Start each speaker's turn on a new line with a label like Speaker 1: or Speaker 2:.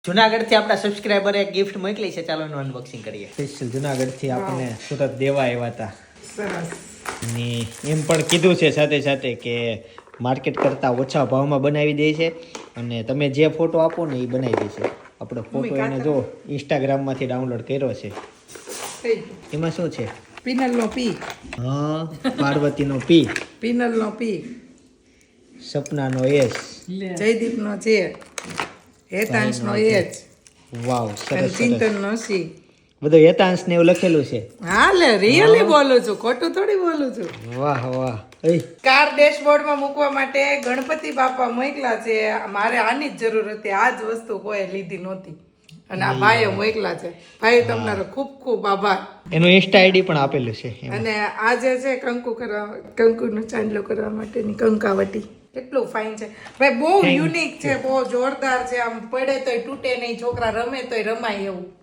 Speaker 1: જુનાગઢ થી આપણા સબસ્ક્રાઇબર એક ગિફ્ટ મોકલી છે, ચાલો એનું અનબોક્સિંગ કરીએ. સ્પેશિયલ જુનાગઢ થી આપણને સુરત દેવા આવ્યા હતા.
Speaker 2: સરસ.
Speaker 1: ને એમ પણ કીધું છે સાથે સાથે કે માર્કેટ કરતા ઓછા ભાવમાં બનાવી દે છે અને તમે જે ફોટો આપો ને એ બનાવી દે છે. આપણો ફોટો એને જો ઇન્સ્ટાગ્રામ માંથી ડાઉનલોડ કર્યો છે. એમાં શું છે?
Speaker 2: પિનલનો પી.
Speaker 1: હા, પાર્વતીનો પી,
Speaker 2: પિનલનો પી,
Speaker 1: સપનાનો એસ,
Speaker 2: જયદીપનો જે, હેતાંશનો એચ,
Speaker 1: વાવ
Speaker 2: અને
Speaker 1: સરસ સરસ.
Speaker 2: ચિંતનનો સી.
Speaker 1: બધું હેતાંશ ને એવું લખેલું છે.
Speaker 2: હા લે, રિયલી બોલું છું, ખોટું થોડી બોલું છું.
Speaker 1: વાહ વાહ. એ
Speaker 2: કાર ડેશબોર્ડમાં મૂકવા માટે ગણપતિ બાપા મોકલા છે. મારે આની જ જરૂર હતી, આ જ વસ્તુ કોઈ લીધી નહોતી અને આ ભાઈએ મોકલા છે. ભાઈ તમારો ખૂબ ખૂબ આભાર.
Speaker 1: એનું ઇન્સ્ટા આઈડી પણ આપેલું છે એમાં.
Speaker 2: અને આ જે છે કંકુનો ચાંદલો કરવા માટેની કંકાવટી, કેટલું ફાઇન છે ભાઈ, બહુ યુનિક છે, બહુ જોરદાર છે. આમ પડે તોય તૂટે નહીં, છોકરા રમે તોય રમાય એવું.